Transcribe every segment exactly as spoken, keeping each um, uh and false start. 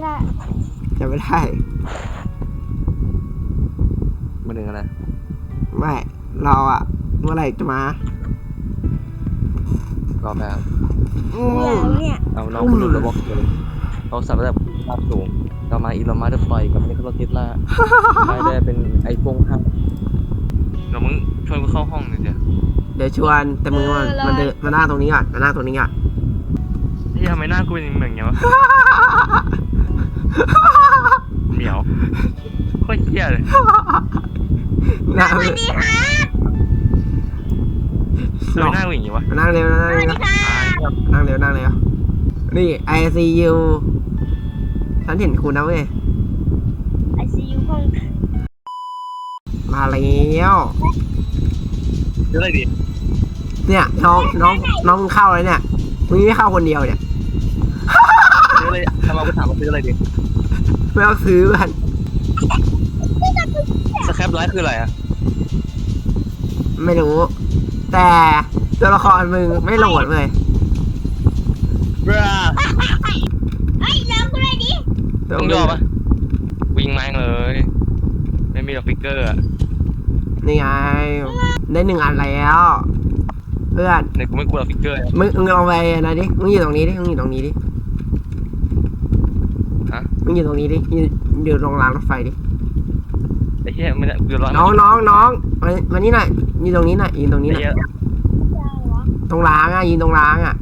ได้จำไม่ได้มาถึงอะไรไม่เราอะเมื่อไหร่จะมารอแป๊บเนี่ยเอาน้องคุณหลุดระบบเลยเราสับระดับภาพสูงเรามาอีลอนมัสก์ปล่อยกับนี่ก็รถเทสลาได้ได้เป็นไอโฟนห้าเรามึงชวนกูเข้าห้องหน่อยเดี๋ยวเดี๋ยวชวนแต่มึงมันมันเดินมาหน้าตรงนี้ก่อนมาหน้าตรงนี้ก่อนที่ทำไมหน้ากูเป็นเหมือนไงวะเหนียวโคตรเหี้ยเลยหน้าสวัสดีครับทำไมหน้ากูอย่างงี้วะนั่งเร็วนั่งเร็วนั่งเร็วนั่งเร็วนี่ ไอ ซี ยู ฉันเห็นคุณนะเว้ยไอ ซี ยู ห้องมาแล้วซื้ออะไรดีเนี่ยน้องน้องน้องมึงเข้าเลยเนี่ยมึงไม่เข้าคนเดียวเนี่ยซื้ออะไรทำไมกูถามว่าซื้ออะไรดีไม่ต้องซื้อกันสแครปไลท์คืออะไรอะไม่รู้แต่ตัวละครมึงไม่โหลดเลยบราเฮ้ยเลิกกูเลยดิต้องยอมปะวิ่งแม่งเลยไม่มีหรอกฟิกเกอร์อะนี่ไงได้หนึ่งอันแล้วเพื่อนเนี่ยกูไม่กลัวหรอกฟิกเกอร์มึงมึงลองไปนะดิมึงอยู่ตรงนี้ดิมึงอยู่ตรงนี้ดิฮะมึงอยู่ตรงนี้ดิอยู่อยู่ตรงรางรถไฟดิไอ้เหี้ยมันจะเดือดร้อนน้องน้องน้องมามานี่หน่อยยืนตรงนี้หน่อยยืนตรงนี้หน่อยตรงรางอ่ะยืนตรงรางอ่ะ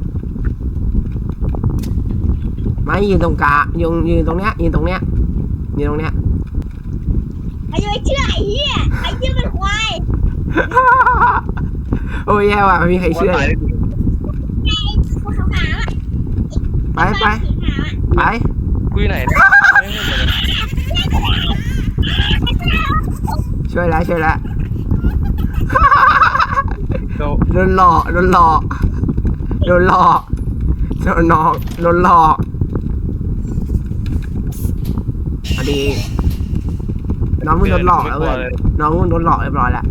ไม่ยืนตรงกลางยืนยืนตรงเนี้ยยืนตรงเนี้ยยืนตรงเนี้ยไอ้ยัยเชื่อไอ้เหี้ยไอ้เหี้ยเป็นควายโอ้ยแย่ว่ะไม่มีใครเชื่อไปไปไปกูอยู่ไหนช่วยแล้วช่วยแล้วโดนหลอกโดนหลอกโดนหลอกโดนหลอกโดนหลอกพอดีน้องมึงโดนหลอกแล้วเว้ยน้องมึงโดนหลอกเรียบร้อยแล้ว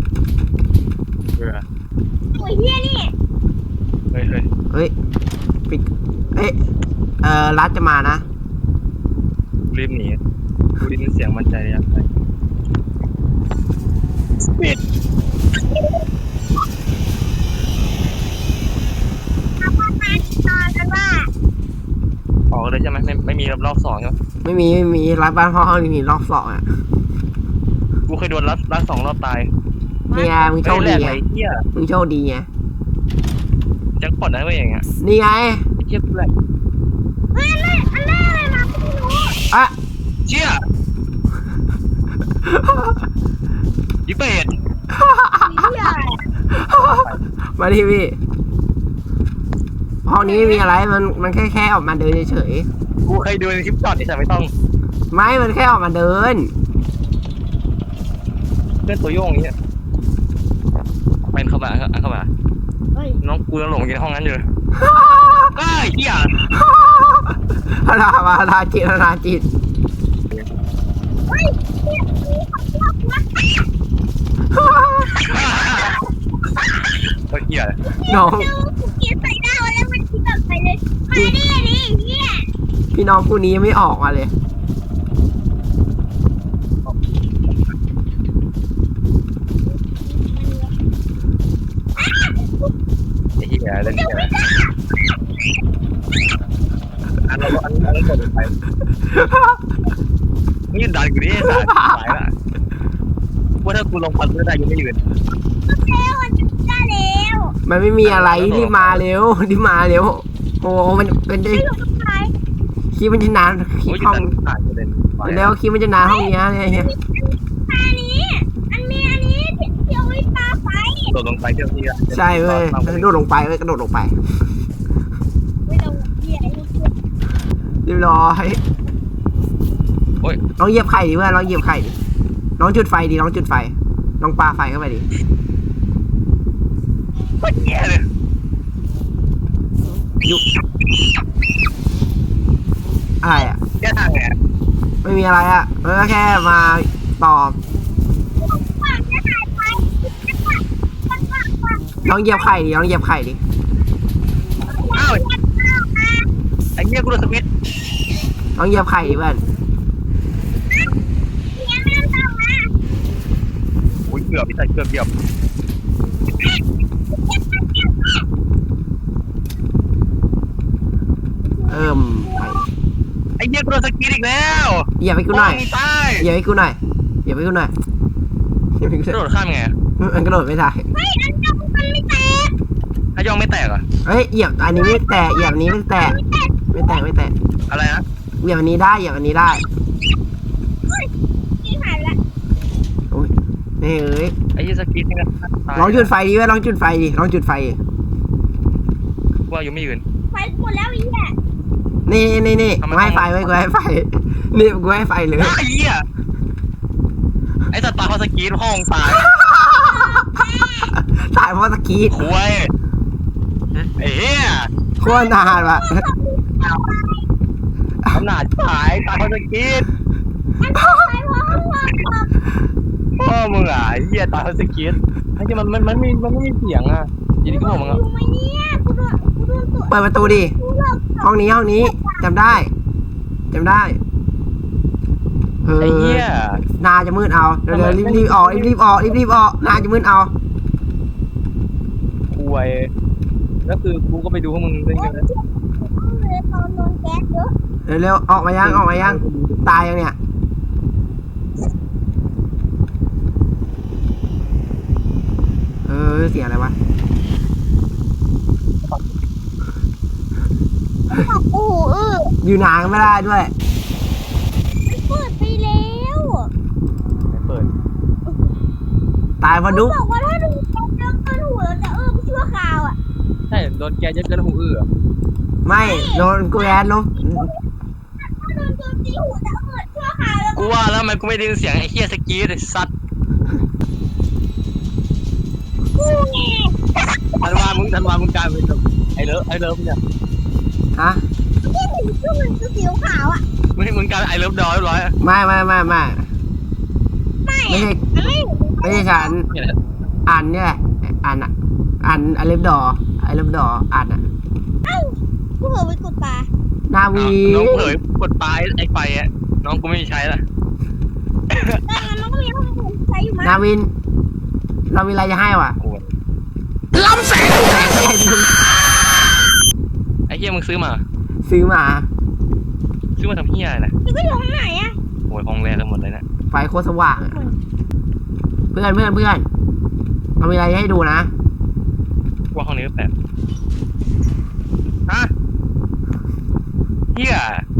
โอ้ยเฮียนี่เฮ้ยเฮ้ยเฮ้ยปิดเอ้ยเอ่อรัดจะมานะรีบหนีกูได้ยินเสียงมันใจยับไปปิดออกเลยใช่ไหมไม่ไม่มีรอบสองใช่ไหมไม่มีไม่มีรัดบ้านพ่อห้องนี่มีรอบสองอ่ะกูเคยโดนรัดรัดสองรอบตายเนี่ยมึงโชคดีไงมึงโชคดีไงจังปอดได้ก็อย่างเงี้ยนี่ไงเชี่ยแหละเฮ้ยอะไรอะไรอะไรมาไม่รู้อะเชี่ยยิเป็ดมาดิพี่ห้องนี้ไม่มีอะไรมันมันแค่แค่ออกมาเดินเฉยๆกูเคยดูในคลิปจอดไอ้สัตว์ไม่ต้องไม่มันแค่ออกมาเดินเพื่อนตัวโยงอย่างเงี้ยเป็นเข้ามาเข้ามาน้องกูยังหลงอยู่ในห้องนั้นอยู่เลยไอ้เหี้ยฮารามาฮาราจิตฮาราจิตโอ้ยเหี้ยน้องเกียร์ใส่หน้าแล้วมันคิดแบบไปเลยมาดิดิเหี้ยพี่น้องคู่นี้ยังไม่ออกมาเลยเหี้ยเล่นเหี้ยอันนั้นอันนั้นกดไปนี่ดันกูดิสายสายละว่าถ้ากูลงพันก็ได้ยังไม่ยืนเร็วมันจะเร็วมันไม่มีอะไรรีบมาเร็วรีบมาเร็วโอ้มันเป็นได้คิดมันจะนานคิดห้องแล้วคิดมันจะนานห้องนี้เนี่ยเนี่ยอันนี้อันนี้อันนี้เที่ยวไอ้ตาไฟโดดลงไปเที่ยวที่ใช่เว้ยกระโดดลงไปเว้ยกระโดดลงไปไม่ต้องเหยียบเรียบร้อยโอ้ยลองเหยียบไข่ดิเพื่อนลองเหยียบไข่ดิลองจุดไฟดิลองจุดไฟลองปาไฟเข้าไปดิโคตรแย่เลยยุบอะไรอ่ะแย่ทางไงไม่มีอะไรอ่ะเออแค่มาตอบลองเหยียบไข่ดิลองเหยียบไข่ดิอ้าวไอ้เหี้ยกูโดนสวิตช์ลองเหยียบไข่เพื่อนเนี่ยไม่ต้องมาอุ้ยเกือบพี่ชายเกือบเกือบเอิ่มไปไอ้เหี้ยกูโดนสกีอีกแล้วเหยียบให้กูหน่อยตายเหยียบให้กูหน่อยเหยียบให้กูหน่อยเหยียบให้กูหกระโดน่อยดข้ามยังไงมันกระโดดไม่ได้เฮ้ยอันนี้มันไม่แตกถ้าย่องไม่แตกอ่ะเฮ้ยเหยียบอันนี้ไม่แตะเหยียบอันนี้ไม่แตะไม่แตะไม่แตะอะไรนะเหยียบอันนี้ได้เหยียบอันนี้ได้นี่หายไปละโอ้ยนี่เอ้ยไอ้เหี้ยสกีนี่ก็ตายลองจุดไฟดิเว้ยลองจุดไฟดิลองจุดไฟดิว่ายังไม่ยืนไฟหมดแล้วไอ้เหี้ยนี่นี่นี่ทำไมกูให้ไฟไว้กูให้ไฟนี่กูให้ไฟเลยไอ้เหี้ยไอ้สตาร์เขาสกีห้องตายตายเพราะสกีดคุยไอ้เหี้ยโคตรนานว่ะขนาดตายตายเขาสกีดไฟเพราะห้องว่างพ่อมึงอ่ะไอ้เหี้ยตายเขาสกีดไอ้เหี้ยมันมันมันไม่มันไม่มีเสียงอ่ะยินดีก็บอกมึงอ่ะอยู่ไหมเนี่ยกูโดนกูโดนตัวเปิดประตูดิกูหลบห้องนี้ห้องนี้จำได้จำได้เออไอ้เหี้ยนาจะมืดเอาเดี๋ยวเดี๋ยวรีบรีบออกรีบรีบออกรีบรีบออกนาจะมืดเอาคุยแล้วคือกูก็ไปดูพวกมึงเล่นกันนะเลยตอนโดนแก๊สเยอะเร็วเร็วออกมายังออกมายังตายยังเนี่ยเออเสียงอะไรวะโอ้โหเอออยู่นานไม่ได้ด้วยมันเปิดไปแล้วไม่เปิดตายเพราะดุ๊กบอกว่าถ้าดูแก๊สเยอะเกินหัวเราจะเออไปชั่วคราวอ่ะใช่โดนแกเยอะเกินหูอื้อไม่โดนกูแอดลบถ้าโดนโจมตีหัวจะเออชั่วคราวแล้วกูว่าแล้วทำไมกูไม่ได้ยินเสียงไอ้เหี้ยสกีดไอ้สัตว์กูไงธันวามึงธันวามึงกลายเป็นแบบไอ้เลิฟไอ้เลิฟเนี่ยฮะที่เห็นชื่อมันคือสีขาวอ่ะมึงมึงกลายเป็นไอ้เลิฟดอยเรียบร้อยอะไม่ไม่ไม่ไม่ไม่ไม่ใช่มันไม่ไม่ใช่ฉันเนี่ยแหละอันเนี่ยแหละอันอ่ะอันอเล็บดอไอเล็บดออันอ่ะเอ้ากูเผลอไปกดปลานาวีน้องเผยกดปลายไอ้ไฟอะน้องกูไม่มีใช้ละแต่งั้นมันก็มีห้องผมใช้อยู่มั้ยนาวิน เรามีอะไรจะให้วะกูล้ำแสงแสงแสงไอ้เหี้ยมึงซื้อมาซื้อมาซื้อมาทำเหี้ยอะไรนะมันก็อยู่ห้องไหนอ่ะโอ้ยห้องแรกกันหมดเลยนะไฟโคตรสว่างอะเพื่อนเพื่อนเพื่อนเรามีอะไรให้ดูนะว่าห้องนี้ก็แปลกฮะเหี้ย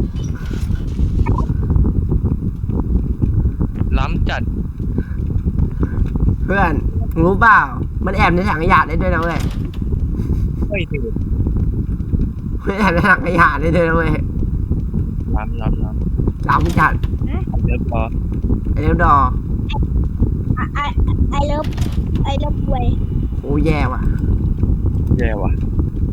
ล้ำจัดเพื่อนรู้เปล่า มันแอบในถังขยะได้ด้วยนะเว้ยเฮ้ยถือมันแอบในถังขยะได้ด้วยนะเว้ยล้ำล้ำล้ล้ำจัดำเดี๋ยวพอไอเล็บดอไอไอเลิฟไอเลิฟเวยโอ้แย่ว่ะแย่ว่ะ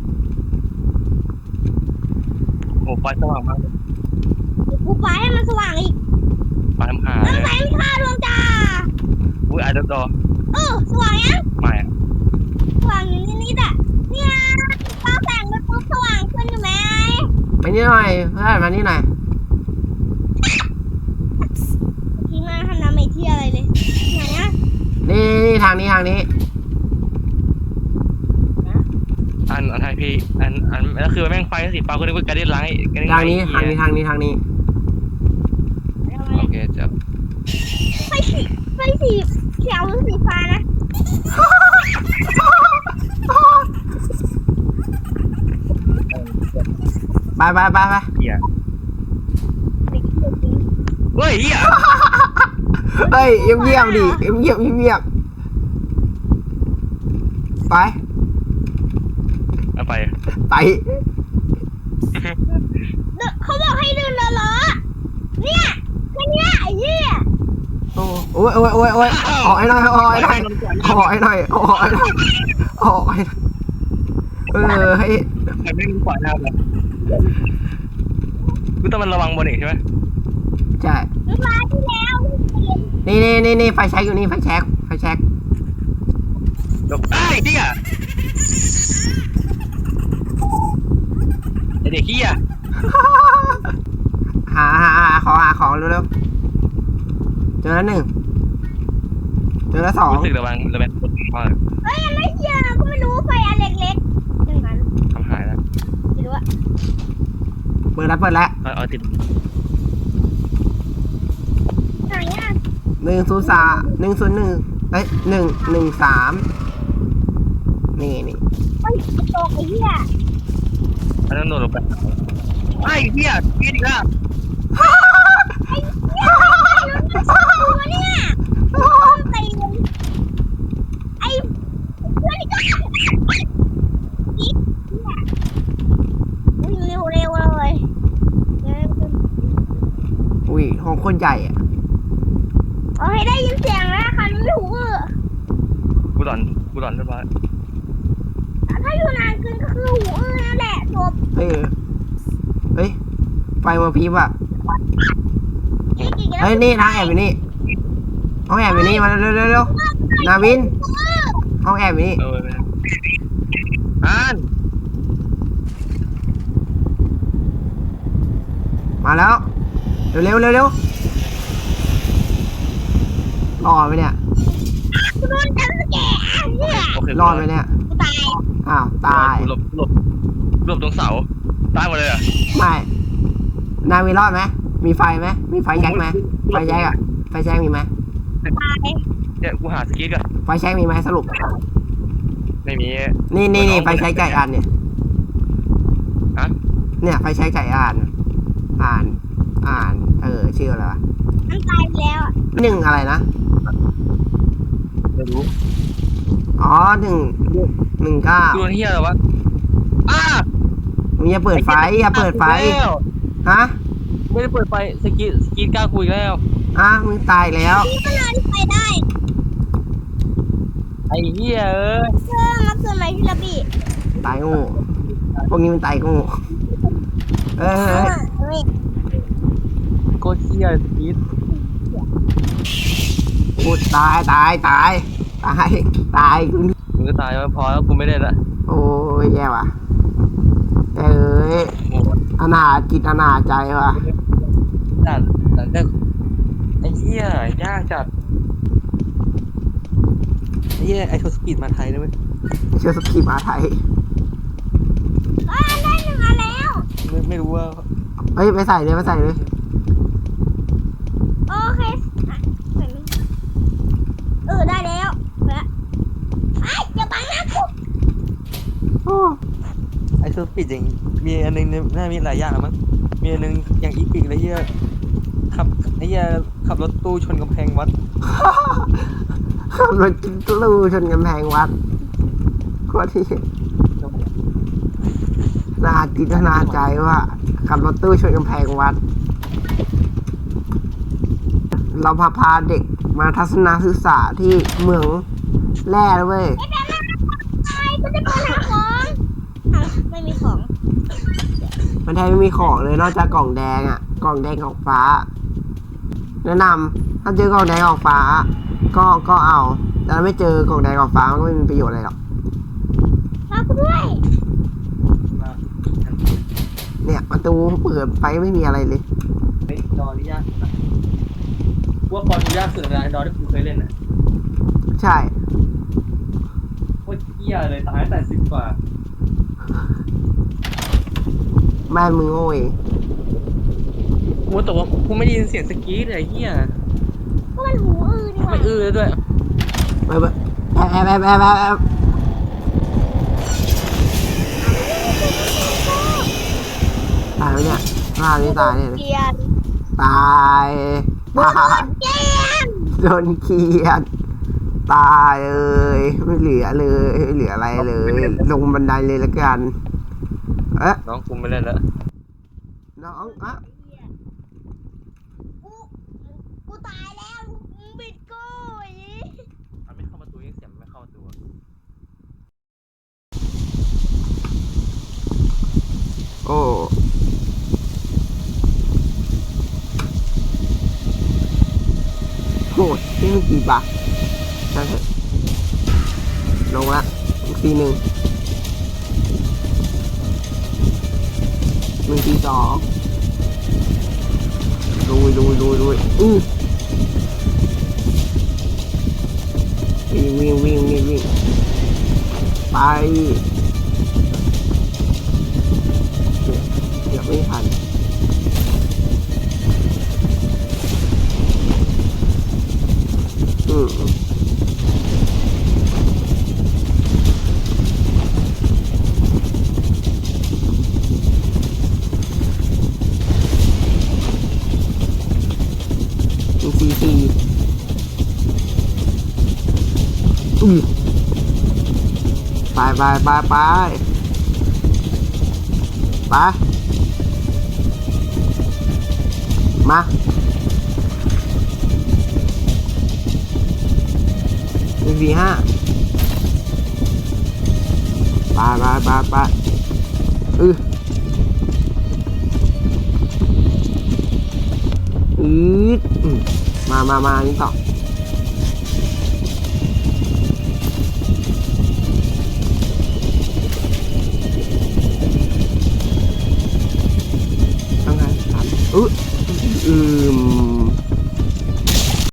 โอ้ไฟสว่างมากกูไปให้มันสว่างอีกไฟทำหาแล้วเลยแสงค่าดวงจ้าอุ้ยไอ้เลิฟดอเออสว่างยังไม่อะสว่างอยู่นิดๆอ่ะเนี่ยตาแสงไปปุ๊บสว่างขึ้นอยู่ไหมไปนี่หน่อยเพื่อนมานี่หน่อยทีมาทำน้ำไม่เที่ยอะไรเลยไหนอ่ะนี่นี่ทางนี้ทางนี้อันอันไทยพี่อันอันแล้วคือแม่งไฟสีฟ้าก็นึกว่าการได้ล้างไอ้การได้ทางนี้ทางนี้ทางนี้ทางนี้โอเคเจ้าไฟสีไฟสีเขียวหรือสีฟ้านะไปไปไปไปเหี้ยสีเขียวจริงเฮ้ยเหี้ยเฮ้ยเงียบๆดิเงียบๆเงียบๆไปเอาไปไปเดนเขาบอกให้เดินเลอะๆเนี่ยแค่เนี้ยไอ้เหี้ยโอ้ยโอ้ยโอ้ยโอ้ยออกไอ้หน่อยออกไอ้หน่อยออกไอ้หน่อยออกไอ้หน่อยออกไอ้หน่อยเออให้ใครไม่รู้ขวาหน้าเลยกูต้องมันระวังบนอีกใช่ไหมใช่เวลาที่แล้วเปลี่ยนนี่นี่นี่นี่ไฟแช็กอยู่นี่ไฟแช็กไฟแช็กเดี๋ยวไอ้เหี้ยไอเด็กเหี้ยหาอแล้วหนึ่งเจอแล้วสองรู้สึกระวังระแวงมากเฮ้ยยังไม่เชื่อก็ไม่รู้ไฟอันเล็กๆหนึ่งอันทำหายแล้วไม่รู้อะเปิดแล้วเปิดแล้วเอาเอาติดไหนอะหนึ่งศูนย์สามหนึ่งศูนย์หนึ่งเอ้ยหนึ่งหนึ่งสามนี่นี่เฮ้ยตกไอ้เหี้ยอันนั้นโดนลงไปไอ้เหี้ยกินอีกแล้วไอ้เหี้ยไอ้รถมันสู้ตัวเนี่ยต้นตีนไอ้เพื่อนนี่ก็อีกเร็วเร็วเลยเร็วอุ้ยห้องโคนใหญ่อะเอาให้ได้ยินเสียงแล้วค่ะไม่หูอื้อกูหลอนกูหลอนเรียบร้อยถ้าอยู่นานเกินก็คือหูอื้อนั่นแหละจบเฮ้ยเฮ้ยไฟมาพริบอะนี่กี่กันเฮ้ยนี่ทางแอบอยู่นี่ห้องแอบอยู่นี่มาเร็วเร็วเร็วนาวินห้องแอบอยู่นี่เอออ่านมาแล้วเร็วเร็วเร็วเร็วรอดไหมเนี่ยกูโดนจับแกเนี่ยโอเครอดไหมเนี่ยกูตายอ้าวตายหลบหลบหลบตรงเสาตายหมดเลยอ่ะไม่นาวินรอดไหมมีไฟไหมมีไฟแช็กไหมไฟแช็กอะไฟแช็กมีไหมตายเนี่ยกูหาสกีก่อนไฟแช็กมีไหมสรุปไม่มีนี่นี่นี่ไฟแช็กจ่ายอันเนี่ยฮะเนี่ยไฟแช็กจ่ายอ่าน อ่าน อ่าน เออชื่ออะไรวะมันตายไปแล้วอะหนึ่งอะไรนะไม่รู้อ๋อหนึ่งหนึ่งเก้าตัวเฮียอะไรวะอ้ามึงอย่าเปิดไฟอย่าเปิดไฟฮะไม่ได้เปิดไฟสกีสกีกล้าคุยแล้วอ่ะมึงตายแล้วนี่ก็เลยไปได้ไอ้เหี้ยเอ้ยเพิ่มมาเกินไหมพี่ระบี้ตายโง่พวกนี้มันตายโง่เออเอเฮ้ยอเฮ้ยโคตรเหี้ยสกีพูดตายตายตายตายตายกูมึงก็ตายมาพอแล้วกูไม่ได้ละโอ้ยแย่ว่ะเอ้ยโอ้อนาถจิตอนาถใจว่ะจัดแต่ก็ไอ้เหี้ยยากจัดไอ้เหี้ยไอโชสปีดมาไทยได้ไหมเชื่อสกีมาไทยอ่าได้หนึ่งอันแล้วไม่ไม่รู้ว่าเฮ้ยไปใส่เลยไปใส่เลยโอเคอ่ะเหมือนเออได้แล้วแล้วไอ้อย่าบังหน้ากูโอ้ไอโชสปีดอย่างมีอันนึงน่ามีหลายอย่างมั้งมีอันนึงอย่างอีพิกเลยเหี้ยขับไอ้เหี้ยขับรถตู้ชนกำแพงวัดมันกินกลูชนกำแพงวัดโคตรที่นาจิตนาใจว่าขับรถตู้ชนกำแพงวัด เราพาพาเด็กมาทัศนศึกษาที่เมืองแร่แล้วเว้ยไอ้แบบนั้นไอ้กูจะไปหาของอ่ะไม่มีของมันแทบไม่มีของเลยนอกจากกล่องแดงอ่ะ กล่องแดงกล่องฟ้า แนะนำถ้าเจอกล่องแดงกล่องฟ้า ก็ก็เอาแต่ถ้าไม่เจอกล่องแดงกล่องฟ้ามันก็ไม่มีประโยชน์อะไรหรอกมากูด้วยเนี่ยประตูเปิดไปไม่มีอะไรเลยไอ้ดอนี่ยากสุดนะว่าพอดูยากสุดนะไอ้ดอที่กูเคยเล่นอ่ะใช่โคตรเหี้ยเลยตายตั้งแต่สิบกว่าแม่มึงโง่เองกูแต่ว่ากูไม่ได้ยินเสียงสกีดเลยไอ้เหี้ยก็มันหูอื้อนี่หว่าไม่อื้อเลยด้วยไปไปแอบแอบแอบแอบแอบแอบตายไหมเนี่ยตายไม่ตายเนี่ยเกลียดตายตายเกลียดโดนเคียดตายเลยไม่เหลือเลยไม่เหลืออะไรเลย ลงบันไดเลยละกัน เอ๊ะน้องกูไม่เล่นแล้วน้องอ่ะกูกูตายแล้วมึงบิดกูอย่างนี้มันไม่เข้าประตูยังเสียงไม่เข้าประตูโอ้โหนี่มันกี่บาทนั่นเถอะลงละอีกทีหนึ่งหนึ่งทีสองลุยลุยลุยลุยอือเดี๋ยวไม่ทันอืมซีซีอุ้ยไปไปไปไปไปมาหนึ่งสี่ห้าไปไปไปไปอืออืดอืมมามามานี่ต่อต้องไงครับอืออืม